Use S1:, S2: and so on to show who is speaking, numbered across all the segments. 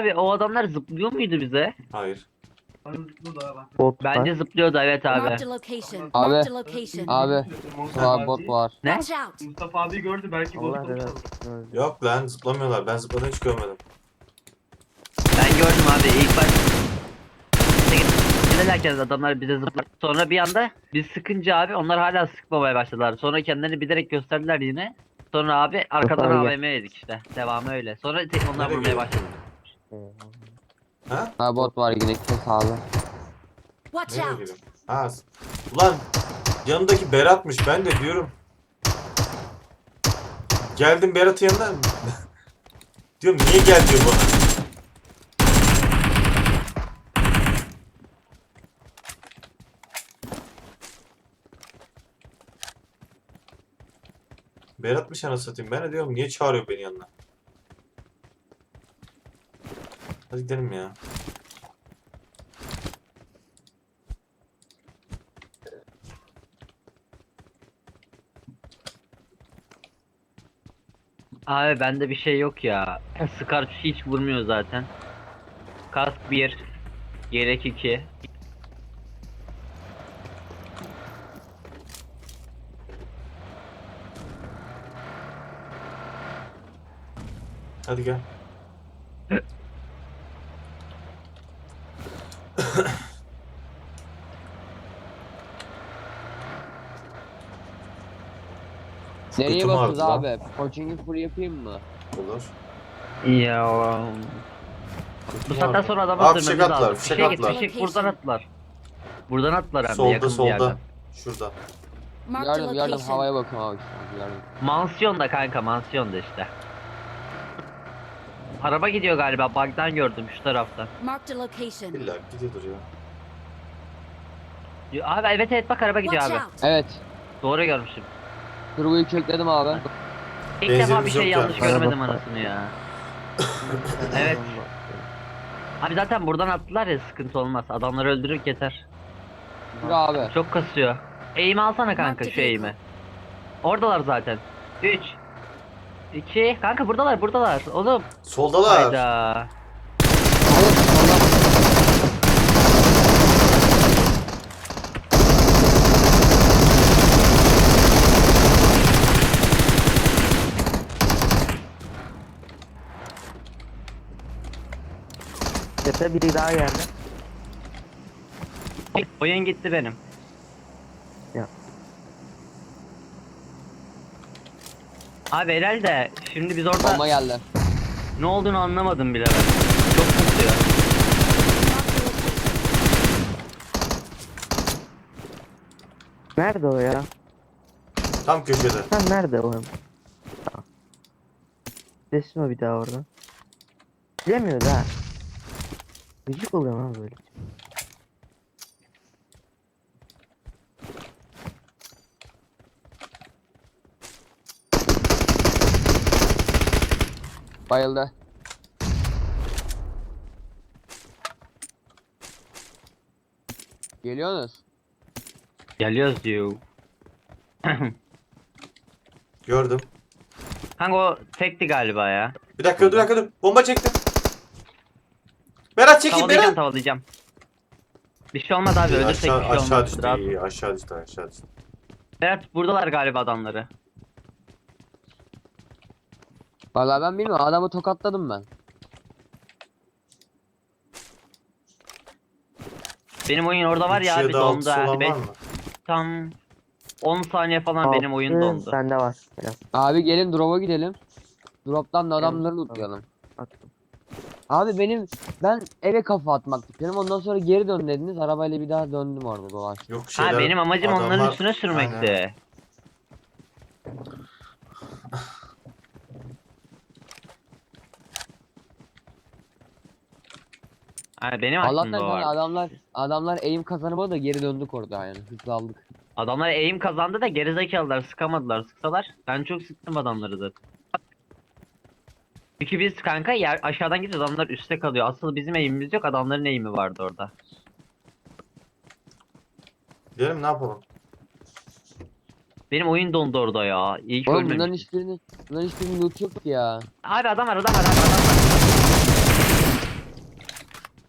S1: abi o adamlar zıplıyor muydu bize?
S2: Hayır.
S3: Bot
S1: Bence
S3: var.
S1: zıplıyordu evet abi.
S4: Marked a location.
S5: Abi.
S4: Marked a location.
S5: Abi. Var bot var.
S1: Ne?
S4: Watch out.
S6: Mustafa abi gördü belki
S3: Allah
S6: bozulmuş
S3: razı
S6: olur.
S3: olsun.
S2: Yok lan zıplamıyorlar. Ben zıpladığını hiç görmedim.
S1: Ben gördüm abi ilk baş. Giderlerken adamlar bize zıpladı. Sonra bir anda biz sıkınca abi onlar hala sıkmamaya başladılar. Sonra kendilerini bilerek gösterdiler yine. Sonra abi arkadan
S3: Mustafa
S1: AVM yedik işte. Devamı öyle. Sonra onlar
S2: Nereye
S1: vurmaya
S2: gidiyor?
S1: başladı.
S2: Ha?
S5: Ha bot var yine gitme sağlı.
S4: Watch
S2: Nereye
S4: out.
S2: gidiyorum? Ha. Ulan yanındaki Berat'mış. Ben de diyorum. Geldim Berat'ın yanına. Diyorum niye gel diyor bana. Berat'mış anasını satayım. Ben de diyorum niye çağırıyor beni yanına. Hadi gidelim ya.
S1: Abi bende bir şey yok ya. Scar hiç vurmuyor zaten. Kask 1. Yelek 2.
S2: Hadi gel.
S5: Nereye
S2: Götüm
S5: bakıyoruz
S2: ağrıdı lan.
S5: abi? Coaching'i full yapayım mı?
S2: Olur.
S1: Ya. Bu saatten sonra adamı
S2: Aa,
S1: öldürmemiz
S2: fişek attılar,
S1: lazım.
S2: fişek
S1: Fişek
S2: attılar.
S1: fişek buradan attılar. Buradan attılar hem de
S2: Solda
S1: yakın bir yerden.
S2: solda. Şurada.
S4: Marked a
S5: Yardım
S4: location.
S5: havaya bakıyorum abi şu an. Yardım.
S1: Mansiyonda kanka mansiyonda işte. Araba gidiyor galiba bug'dan gördüm şu taraftan.
S4: Marked a location.
S2: İlla gidiyordur ya.
S1: Abi evet evet bak araba gidiyor
S4: Watch
S1: abi.
S4: out.
S5: Evet.
S1: Doğru görmüşüm.
S5: Turboyu kökledim abi.
S1: İlk defa bir
S2: Benzinimiz
S1: şey
S2: yok
S1: yanlış
S2: yani.
S1: görmedim
S3: Araba-
S1: anasını ya. Evet. Abi zaten buradan attılar ya sıkıntı olmaz. Adamları öldürürük yeter.
S5: Dur abi.
S1: Çok kasıyor. Eğimi alsana kanka şu eğimi. Oradalar zaten. 3 2 kanka buradalar oğlum.
S2: Soldalar.
S1: Hayda.
S3: Tepe biri daha geldi.
S1: Oyun gitti benim.
S3: Ya.
S1: Abi herhalde şimdi biz orada
S5: Bomba geldi.
S1: ne olduğunu anlamadım bile ben. Çok kasıyor.
S3: Nerede o ya?
S2: Tam köşede.
S3: Sen nerede o? Desin o bir daha orada. Bilemiyor da. Gıcık oluyor lan böyle.
S5: Bayıldı. Geliyorsunuz.
S1: Geliyoruz diyor.
S2: Gördüm.
S1: Kanka o tekti galiba ya.
S2: Bir dakika dur. Bomba çektim. Berat çekin
S1: Tavalayacağım
S2: Berat.
S1: tavalayacağım. Bir şey olmaz abi ölürsek bir şey
S2: Aşağı
S1: olmaz.
S2: düştü.
S1: Rahat.
S2: İyi, aşağı düştü.
S1: Evet buradalar galiba adamları.
S5: Vallahi ben bilmiyorum. Adamı tokatladım ben.
S1: Benim oyun orada var ya
S2: İkiye
S1: abi
S2: de altısı
S1: dondu.
S2: olan var mı?
S1: Tam 10 saniye falan benim oyun
S3: Altı
S1: dondu.
S3: Sende var. Biraz
S5: Abi gelin drop'a gidelim. Drop'tan da adamları lootlayalım.
S3: attım.
S5: Abi ben eve kafa atmak istiyorum. Ondan sonra geri dön dediniz. Arabayla bir daha döndüm orada dolaştım.
S2: Yok şeyler.
S1: Ha benim amacım onların
S2: adamlar-
S1: üstüne sürmekti.
S2: Aynen.
S1: Ha benim
S5: Allah'tan
S1: aklımda o
S5: kanka
S1: var.
S5: adamlar aim kazanıp da geri döndük orada yani. Hızlı aldık.
S1: Adamlar aim kazandı da gerizekalılar sıkamadılar. Sıksalar ben çok sıktım adamları zaten. Çünkü biz kanka aşağıdan gidiyoruz adamlar üstte kalıyor. Asıl bizim aim'imiz yok adamların aim'i vardı orada.
S2: Gidelim ne yapalım?
S1: Benim oyun dondu orada ya. İyi ki
S5: Oğlum
S1: ölmemişim.
S5: bunların hiçbirinin loot yok ki ya.
S1: Abi adam var.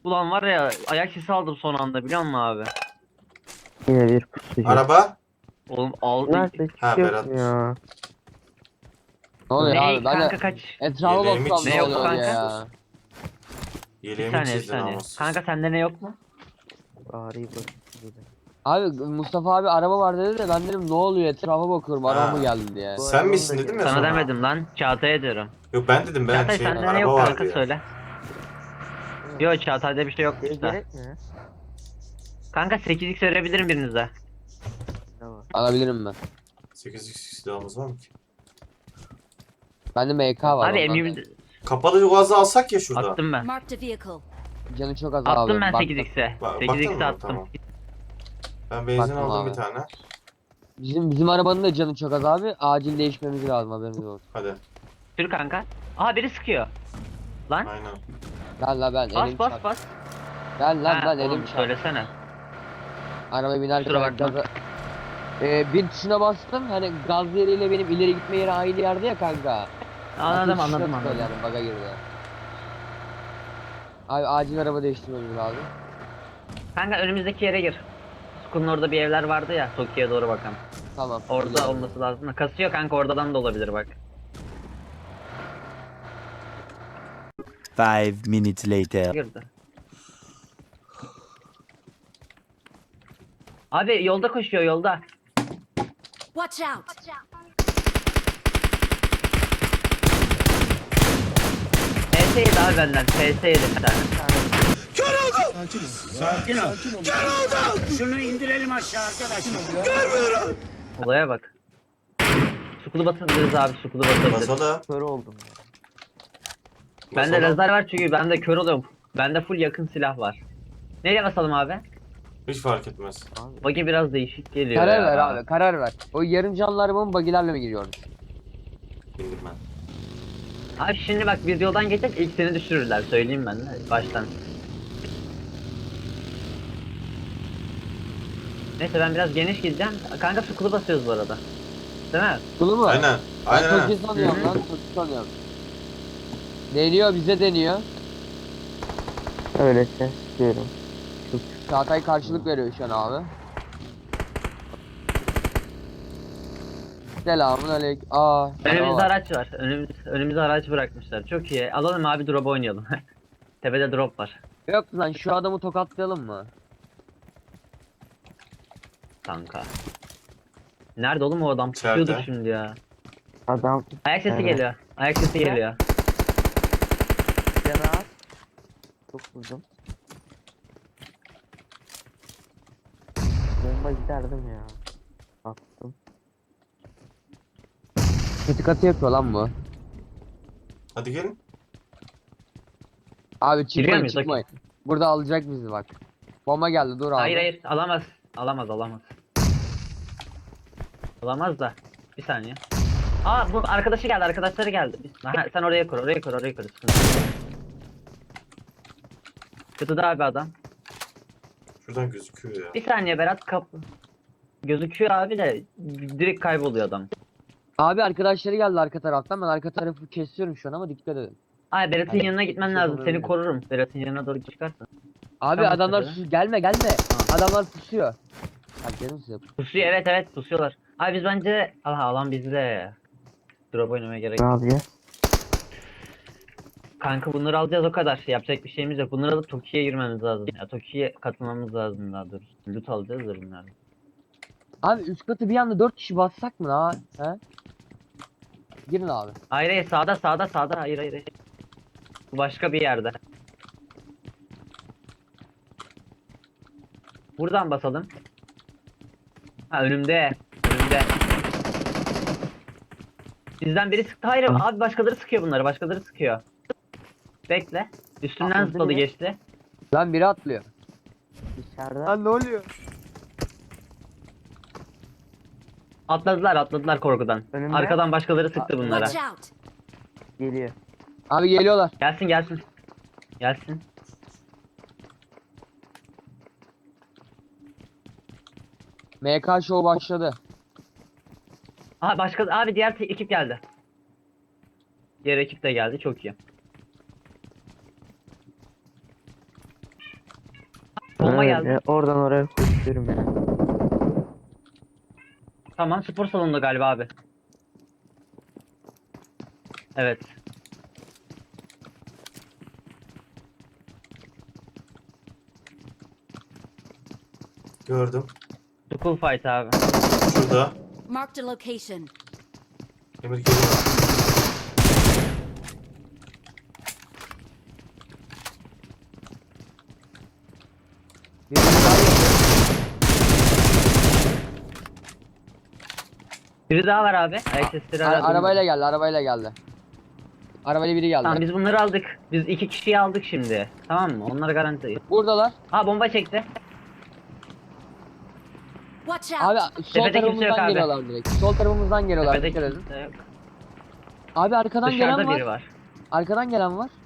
S1: Ulan var ya ayak sesi aldım son anda biliyor musun abi?
S3: Yine bir pusucu.
S2: Araba.
S1: Oğlum aldı.
S3: Nerede hiç
S2: Ha,
S3: yok
S2: Berat'mış.
S3: ya.
S5: Ne oluyor
S1: Ne
S5: abi? Ben
S1: kanka
S5: de
S1: kaç?
S5: etrafa
S2: Yeleğimi
S5: bakıyorum ne
S1: çizdim.
S5: oluyor
S1: Ne
S5: diye
S1: yok
S5: ya.
S1: Bir
S2: Yeleğimi
S1: saniye bir
S2: çizdin
S1: saniye.
S2: namussuz.
S1: Kanka sende ne yok mu?
S3: Bari pusucu.
S5: Abi Mustafa abi araba var dedi de ben dedim ne oluyor etrafa bakıyorum araba mı
S2: Ha.
S5: geldi diye.
S3: Bu
S2: Sen
S3: arabanın
S2: misin
S3: da
S2: dedim ya
S1: Sana
S2: sonra.
S1: demedim lan. Çağatay'a diyorum.
S2: Yok ben dedim, ben
S1: Çağatay
S2: şey
S1: sende ne
S2: araba
S1: yok
S2: vardı
S1: kanka
S2: ya.
S1: söyle. Yok Çağatay'da bir şey yok
S3: Şey
S1: işte.
S3: gerek mi?
S1: Kanka 8x verebilirim birinize.
S3: Tamam.
S5: Alabilirim ben.
S2: 8x silahımız var mı ki?
S5: Bende MK var.
S1: Abi
S5: ondan
S1: M20
S5: da.
S2: Kapalı gazı alsak ya şurada.
S1: attım ben.
S4: Marked a vehicle.
S5: Canı çok az abi.
S1: Attım ben
S5: baktım.
S1: 8x'e.
S2: Baktın
S1: 8x'e
S2: mı?
S1: attım.
S2: Tamam. Ben benzin
S5: Baktım
S2: aldım
S5: abi.
S2: bir tane.
S5: Bizim arabanın da canı çok az abi. Acil değişmemiz lazım haberiniz olsun.
S2: Hadi.
S1: Sür kanka. Aha biri sıkıyor. Lan
S2: Aynen.
S5: Gel la ben
S1: bas
S5: elim
S1: bas
S5: çarp.
S1: bas.
S5: Gel lan
S1: Ha,
S5: ben
S1: oğlum
S5: elim çarp.
S1: söylesene.
S5: Arabaya binerken
S1: Kusura bakma.
S5: gaza... bir tuşuna bastım hani gaz yeriyle benim ileri gitme yeri aynı yerde ya kanka.
S1: Anladım
S5: Hafif
S1: anladım
S5: tuşuna
S1: anladım.
S5: tıkladım, baga girdi. Abi acil araba değiştirmemiz lazım.
S1: Kanka önümüzdeki yere gir. Sukun orada bir evler vardı ya. Tokyo'ya doğru bakan.
S5: Tamam.
S1: Orada
S5: gidiyorum.
S1: olması lazım. Kasıyor kanka oradan da olabilir bak.
S6: 5 minutes later.
S1: Girdi. Abi yolda koşuyor yolda.
S4: Watch out!
S1: PS yedi abi benden. PS yedi bir tane.
S7: Şunu indirelim aşağı arkadaşlar.
S1: Olaya bak. Sukulu batırırız abi sukulu batırırız.
S2: Basalım.
S3: Kör oldum ya.
S1: Bende
S2: Basalım.
S1: lazer var çünkü bende kör oluyorum. Bende full yakın silah var. Nereye basalım abi?
S2: Hiç fark etmez.
S3: Abi.
S1: Bagi biraz değişik geliyor
S5: Karar
S1: ya.
S5: ver abi karar ver. O yarım canlı arabanın bagilerle mi giriyoruz?
S2: Bindim ben.
S1: Abi şimdi bak biz yoldan geçecek ilk seni düşürürler söyleyeyim ben de baştan. Neyse ben biraz geniş gideceğim. Kanka sukulu basıyoruz bu arada. Değil mi?
S5: Kulu mu?
S2: Aynen.
S5: Ben
S2: Aynen.
S5: Toki
S2: aynen.
S5: sanıyorum lan Toki sanıyorum. Deniyor bize deniyor.
S3: Öyleyse istiyorum.
S5: Çağatay karşılık veriyor şu an abi. Selamun aleyküm. Aa.
S1: Önümüzde
S5: araba var.
S1: araç var. Önümüzde araç bırakmışlar. Çok iyi. Alalım abi drop oynayalım. Tepede drop var.
S5: Yok lan şu adamı tokatlayalım mı?
S1: Kanka. Nerede oğlum o adam?
S2: İçeride.
S1: Pusuyordur şimdi ya.
S3: Adam
S1: Ayak sesi
S3: Evet.
S1: geliyor. Ayak sesi geliyor.
S3: yana at. Çok vurdum. Bomba giderdim ya. Attım.
S5: Kötü katı yapıyor lan bu.
S2: Hadi gelin.
S5: Abi
S1: Giriyor
S5: çıkmayın
S1: muyuz?
S5: çıkmayın. Burada alacak bizi bak. Bomba geldi dur abi.
S1: Hayır hayır alamaz. Alamaz. Alamaz da. Bir saniye. Aa bu arkadaşı geldi arkadaşları geldi. Ha, sen oraya kur oraya kur. Sıkıntı yok. Kutuda abi adam.
S2: Şuradan gözüküyor ya.
S1: Bir saniye Berat kapı. Gözüküyor abi de direkt kayboluyor adam.
S5: Abi arkadaşları geldi arka taraftan. Ben arka tarafı kesiyorum şu an ama dikkat edin.
S1: Ay Berat'ın
S5: Hadi.
S1: yanına gitmen
S5: Şey
S1: lazım. Seni
S5: yapabilirim.
S1: korurum. Berat'ın yanına doğru çıkarsın.
S5: Abi
S1: Tamam,
S5: adamlar
S1: tabii.
S5: gelme. Adamlar pusuyor. Hadi canım size.
S1: Pusuyor evet pusuyorlar. Abi biz bence alan bizde. Drop oynamaya gerek
S3: Ne
S1: yok.
S3: yapacağız?
S1: Kanka bunları alacağız o kadar. Yapacak bir şeyimiz yok. Bunları alıp Tokyo'ya girmemiz lazım. Ya Tokyo'ya katılmamız lazım daha doğrusu. Loot alacağız da bunları.
S5: Abi üst katı bir anda 4 kişi bassak mı la? He? Girin abi.
S1: Hayır sağda. Hayır. Bu başka bir yerde. Buradan basalım. Ha önümde. Bizden biri sıktı. Hayır abi başkaları sıkıyor bunları. Başkaları sıkıyor. Bekle. Üstümden
S3: Atladı
S1: zıpladı
S3: biri.
S1: geçti.
S5: Lan biri atlıyor.
S3: Dışarıda.
S5: ne oluyor?
S1: Atladılar korkudan.
S3: Önümde.
S1: Arkadan başkaları sıktı bunlara.
S4: Watch out!
S3: Geliyor.
S5: Abi geliyorlar.
S1: Gelsin.
S5: MK show başladı.
S1: Aha abi diğer ekip geldi. Diğer ekip de geldi çok iyi. geldi.
S3: Oradan oraya koşuyorum ya.
S1: Tamam, spor salonunda galiba abi. Evet.
S2: Gördüm.
S1: School fight abi.
S2: Şurada.
S4: Marked a location.
S2: Emir geliyor.
S5: Birini daha yedim.
S1: Biri daha var abi. Ayak sesleri aradım.
S5: Arabayla geldi, arabayla geldi. Arabayla biri geldi.
S1: Tamam, biz bunları aldık. Biz 2 kişiyi aldık şimdi. Tamam mı? Onlar garanti.
S5: Buradalar.
S1: Ha, bomba çekti.
S4: Watch out!
S5: Abi sol
S1: Tepede kimse yok
S5: tarafımızdan
S1: abi.
S5: geliyorlar direkt. Sol tarafımızdan geliyorlar.
S1: Tepede
S5: Dikkat edin.
S1: kimse yok.
S5: Abi arkadan
S1: Dışarıda
S5: gelen var.
S1: biri var.
S5: Arkadan gelen var.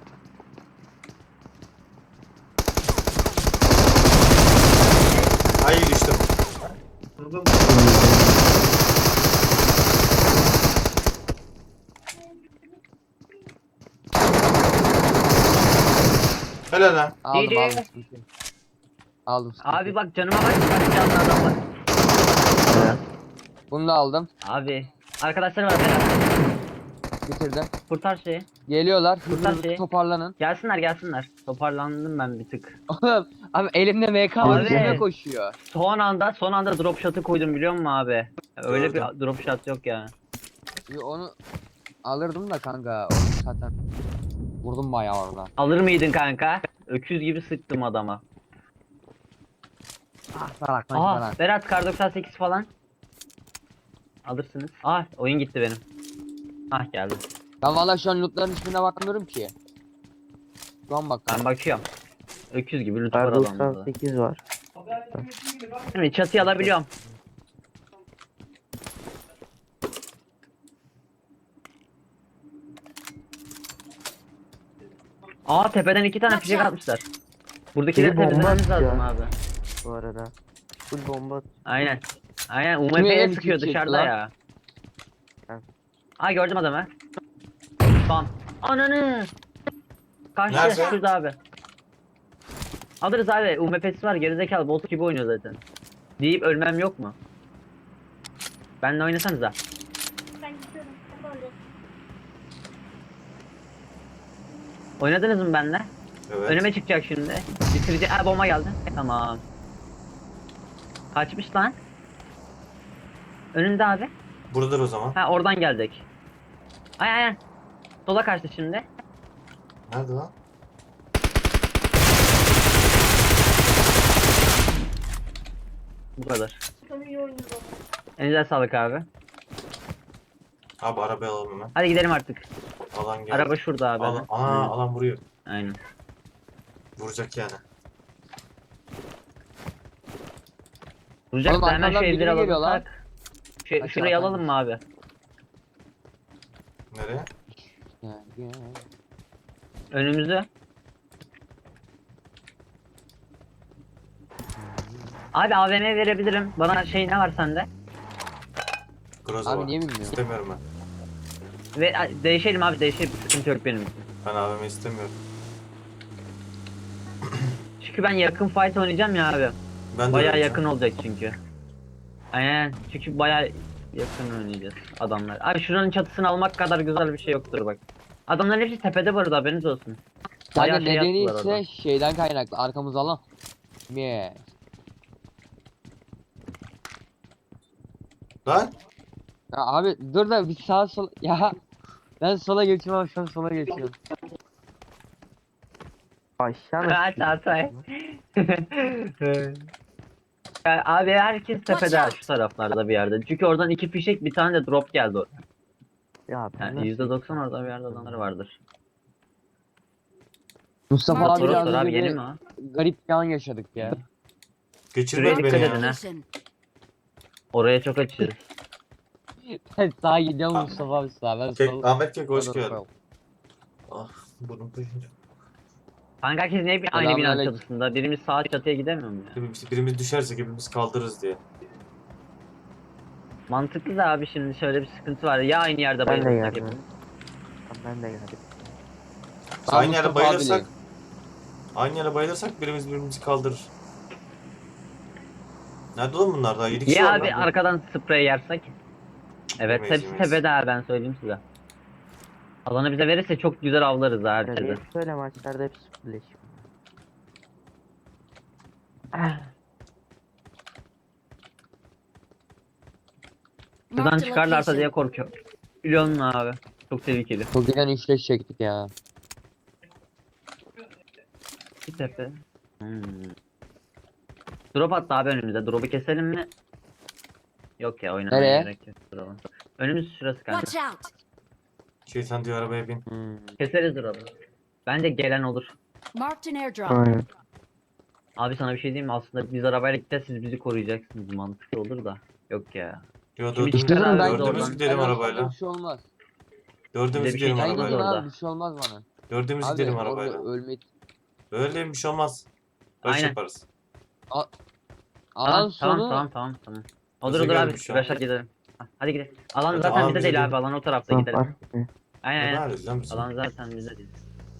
S2: Ay düştüm. Helal lan.
S5: Aldım
S1: GG.
S5: aldım. Sıkıntı yok. Aldım. sıkıntı
S1: Abi
S5: yok.
S1: bak, canıma bak. Kaç canlı adam var.
S5: Bunu da aldım.
S1: Abi. Arkadaşlar var beraber.
S5: Bitirdim.
S1: Kurtar şeyi.
S5: Geliyorlar.
S1: Buradan
S5: Hızlı
S1: şey-
S5: toparlanın.
S1: Gelsinler gelsinler. Toparlandım ben bir tık.
S5: Oğlum abi elimde MK var.
S1: Abi.
S5: Üstüme koşuyor.
S1: Son anda drop shot'ı koydum, biliyor musun abi? Öyle
S2: Gördüm.
S1: bir drop shot yok ya.
S5: Onu alırdım da kanka. Onu zaten vurdum bayağı orada.
S1: Alır mıydın kanka? Öküz gibi sıktım adama.
S5: Ah salak
S1: Aha,
S5: falan.
S1: Berat kar 98 falan. Alırsınız. Ah, oyun gitti benim. Ah, geldi.
S5: Ben valla şu an lootların hiçbirine bakmıyorum ki. Şu an bak.
S1: Ben bakıyorum. Öküz gibi loot var
S3: Kar
S1: adamda.
S3: 98 var.
S1: Şimdi çatıyı alabiliyorum. Aa, tepeden 2 tane fişek atmışlar. Buradakileri
S3: Biri bomba
S1: temizlememiz
S3: atıyor.
S1: lazım abi.
S3: Bu arada. Full bomba.
S1: Aynen. Aynen,
S5: Kime
S1: UMP'ye
S5: el
S1: sıkıyor
S5: çekecek
S1: dışarıda
S5: lan?
S1: ya.
S3: Ha.
S1: Aa, gördüm adamı. Bam. Ananı. Karşıda
S2: Nerede?
S1: şurada abi. Alırız abi. UMP'si var, gerizekalı bot gibi oynuyor zaten. Deyip ölmem yok mu? Benle oynasanıza. Oynadınız mı benle?
S2: Evet.
S1: Önüme çıkacak şimdi. Bitirecek. Aa, bomba geldi. Tamam. Kaçmış lan. Önünde abi.
S2: Buradadır o zaman.
S1: Ha, oradan geldik. Ay. Sola kaçtı şimdi.
S2: Nerede lan?
S1: Bu kadar. Elinize sağlık abi.
S2: Abi arabayı alalım hemen.
S1: Hadi gidelim artık.
S2: Alan geldi.
S1: Araba şurada abi.
S2: Alan, ana, alan vuruyor.
S1: Aynen.
S2: Vuracak yani.
S1: Vuracak
S5: Oğlum
S1: da hemen şu
S5: arkamdan
S1: evleri
S5: biri geliyor lan.
S1: alalım.
S5: Aşağı
S1: Şurayı
S5: atalım.
S1: alalım mı abi?
S2: Nereye?
S1: Önümüzü. Abi AVM verebilirim. Bana şey ne var sende?
S2: Groza
S5: Abi
S2: var.
S5: niye bilmiyorum?
S2: İstemiyorum ben.
S1: Ve değişelim abi, değişelim. Sıkıntı yok benim için.
S2: Ben AVM istemiyorum.
S1: Çünkü ben yakın fight oynayacağım ya abi.
S2: Ben de
S1: Bayağı
S2: öyle
S1: yakın olacak çünkü. Aynen. Çünkü bayağı yakın oynayacağız adamlar. Abi şuranın çatısını almak kadar güzel bir şey yoktur bak. Adamların hepsi tepede bu arada, haberiniz olsun. Bayağı
S5: Sadece
S1: şey
S5: nedeni
S1: yaptılar orada.
S5: ise şeyden kaynaklı. Arkamız alan. Yes.
S2: Lan
S5: Ya abi dur da bir sağa sol ya ben sola geçiyorum şu an sola geçiyorum.
S3: Aşağı
S1: Kaç
S3: nasıl?
S1: Atay. Ya abi herkes tepede şu taraflarda bir yerde. Çünkü oradan 2 fişek, bir tane de drop geldi orada.
S3: Ya ben
S1: Yani
S3: nasıl-
S1: %90 orada bir yerde adamlar vardır.
S5: Mustafa
S4: Mark
S5: abi
S1: Toros
S5: biraz
S1: var abi,
S5: önce
S1: yeni
S5: bir
S1: mi o?
S5: garip bir an yaşadık ya.
S2: geçirmedi
S1: Şuraya
S2: beni
S1: dikkat
S2: ya.
S1: edin ha.
S4: Location.
S1: Oraya çok açığız.
S5: Ben sağa gidiyorum Mustafa abi sağa ben sol.
S2: Ahmet Kek hoş
S5: Ben
S2: geldin.
S5: sol.
S2: Ah burnum taşınca.
S1: Kanka herkes niye aynı binanın
S5: Selamünaleyküm.
S1: çatısında? Birimiz sağ çatıya gidemiyor mu ya?
S2: Birimiz düşersek hepimiz kaldırırız diye.
S1: Mantıklı da abi, şimdi şöyle bir sıkıntı var. Ya aynı yerde
S3: Ben de
S1: bayılırsak
S3: geldim.
S1: hepimiz.
S3: Ben de geldim.
S5: Ben
S2: Aynı yere
S5: Mustafa
S2: bayılırsak
S5: abileyim.
S2: aynı yere bayılırsak birimizi kaldırır. Nerede oğlum bunlar daha? 7 kişi
S1: Ya
S2: var
S1: abi
S2: lan.
S1: arkadan sprey yersek. Evet
S2: Yemeyiz,
S1: hepsi
S2: yemeyiz.
S1: tepede ha, ben söyleyeyim size. Alanı bize verirse çok güzel avlarız ha
S3: Ya
S1: herkese.
S3: diye böyle maçlarda hep birleşim.
S1: Buradan
S4: Marked a
S1: çıkarlarsa diye
S4: location.
S1: korkuyorum. Biliyor musun abi? Çok tehlikeli.
S5: Çok güzel üçleş çektik ya.
S1: Bir tepe. Drop attı abi önümüze. Drop'u keselim mi? Yok ya, oynamaya
S5: Nereye?
S1: gerek yok. Drop'u. Önümüz şurası kanka.
S4: Watch out.
S2: Şeytan diyor arabaya bin.
S1: Keseriz drop'u. Bence gelen olur.
S4: Marked an airdrop.
S3: Aynen.
S1: Abi sana bir şey diyeyim mi? Aslında biz arabayla gideceğiz, siz bizi koruyacaksınız. Mantıklı olur da. Yok ya.
S2: Yo
S1: Şimdi
S2: dördümüz,
S1: çıkar abi
S2: dördümüz
S1: oradan.
S2: gidelim
S5: Ben
S2: arabayla.
S5: Bir şey olmaz.
S2: Dördümüz
S1: Bir de bir şey
S2: gidelim
S1: çıkmaz
S5: Sen gidin
S2: arabayla.
S1: orada.
S5: abi bir şey olmaz bana.
S2: Dördümüz
S5: Abi
S2: gidelim
S5: orada
S2: arabayla.
S5: ölmek.
S2: Öyle bir şey olmaz. Baş
S1: Aynen.
S2: yaparız.
S5: Alan
S1: Tamam,
S5: sonu.
S1: tamam. Olur
S2: Bize
S1: olur abi.
S2: gelmiş şu an.
S1: Başa gidelim. Hadi gidelim. Alan
S2: Hadi,
S1: zaten
S2: alan
S1: bize
S2: bize
S1: değil
S2: değil.
S1: abi. Alan o tarafta
S3: Tamam,
S1: gidelim.
S3: fark etmiyor.
S1: Aynen
S2: Ne
S1: aynen.
S2: arıyoruz lan biz?
S1: Alan zaten bize değil.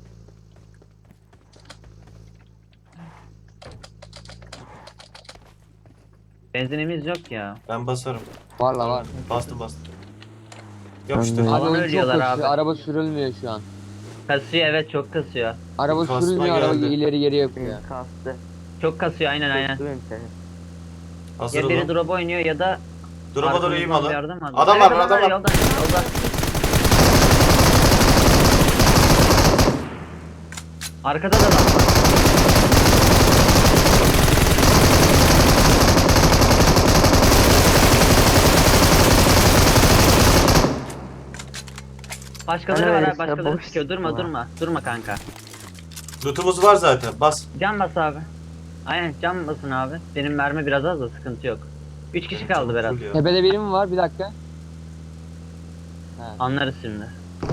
S1: Benzinimiz yok ya.
S2: Ben basarım.
S5: Var la var.
S2: Bastım.
S3: Ben
S2: Yapıştır.
S3: de-
S5: Abi
S1: Alan
S5: oyun çok
S1: ölüyorlar
S5: kasıyor.
S1: abi.
S5: Araba sürülmüyor şu an.
S1: Kasıyor, evet çok kasıyor.
S5: Araba
S2: Kasma
S5: sürülmüyor, araba
S2: geldi.
S5: ileri geri yapıyor.
S3: Benim kastı.
S1: Çok kasıyor, aynen.
S3: Kastı benim seni.
S2: Hazır
S1: Ya biri
S2: olun.
S1: drop oynuyor ya da
S2: Drop'a doğru eğim
S1: arkamızdan
S2: alın.
S1: bir yerden mi alıyor?
S2: Adam var,
S1: Evet,
S2: adam var.
S1: Yolda. Arkada da adam var. Başkaları
S3: Ana
S1: var
S3: öyle
S1: abi, başkaları
S3: boş
S1: çıkıyor. Durma
S3: sıkma.
S1: durma. Durma kanka.
S2: Lootumuz var zaten. Bas.
S1: Can bas abi. Aynen can basın abi. Benim mermi biraz az da sıkıntı yok. 3 kişi kaldı Berat.
S2: Full ya.
S5: Tepede biri mi var? Bir dakika.
S1: Anlarız şimdi.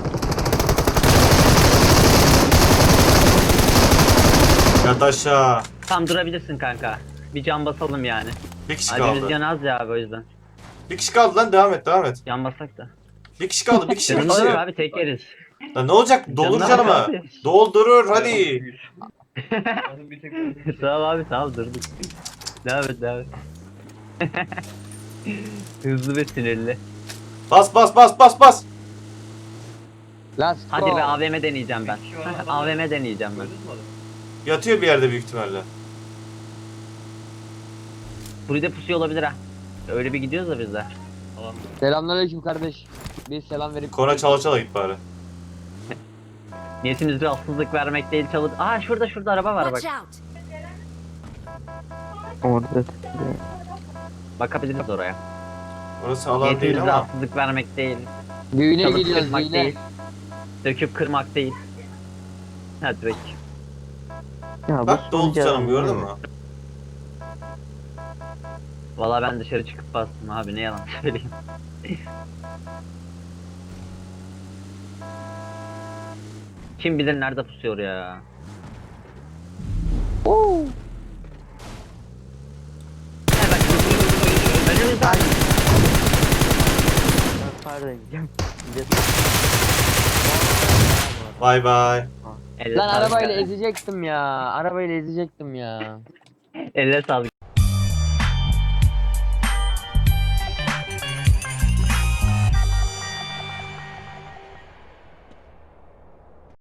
S2: Yat aşağı.
S1: Tam durabilirsin kanka. Bir can basalım yani.
S2: Bir kişi
S1: Abi biz
S2: kaldı.
S1: can az ya abi, o yüzden.
S2: Bir kişi kaldı lan, devam et.
S1: Can basak da.
S2: Bir kişi kaldı, bir kişi.
S1: Canımız yok abi, tek yeriz.
S2: Lan ne olacak? Doldur
S1: Canım
S2: canımı.
S1: abi.
S2: Doldurur hadi.
S1: Tamam abi, tamam durduk. Devam et. Hızlı ve sinirli.
S2: Bas.
S5: Let's
S1: Hadi
S5: go.
S1: be, AVM deneyeceğim ben. AVM deneyeceğim ben.
S2: Yatıyor bir yerde büyük ihtimalle.
S1: Burada pusuyor olabilir ha. Öyle bir gidiyoruz da biz de.
S5: Selamünaleyküm kardeş. Bir selam verip.
S2: Kora çala git bari.
S1: Niyetimiz rahatsızlık vermek değil, çalıp... Aa şurada araba var bak.
S4: Watch out.
S3: Orada.
S1: Bakabiliriz oraya.
S2: Orası alan değil
S1: Niyetimiz
S2: ama.
S1: rahatsızlık vermek değil.
S5: Düğüne
S1: Çalıp
S5: gidiyoruz
S1: kırmak
S5: düğüne.
S1: değil. Döküp kırmak değil. Hadi bek.
S3: Ya bu
S2: Bak doldu
S3: sonucu
S2: canım,
S3: adam
S2: gördün
S3: değil
S2: mü?
S3: mi?
S1: Valla ben dışarı çıkıp bastım abi, ne yalan söyleyeyim. Kim bilir nerede pusuyor ya.
S3: Oo.
S1: Ne bak. Önümüzde abi.
S3: Ben pardon diyeceğim.
S2: Bay bay.
S1: Elle
S5: Lan
S1: sağlık
S5: arabayla
S1: abi.
S5: ezecektim ya. Arabayla ezecektim ya.
S1: Elle sağlık.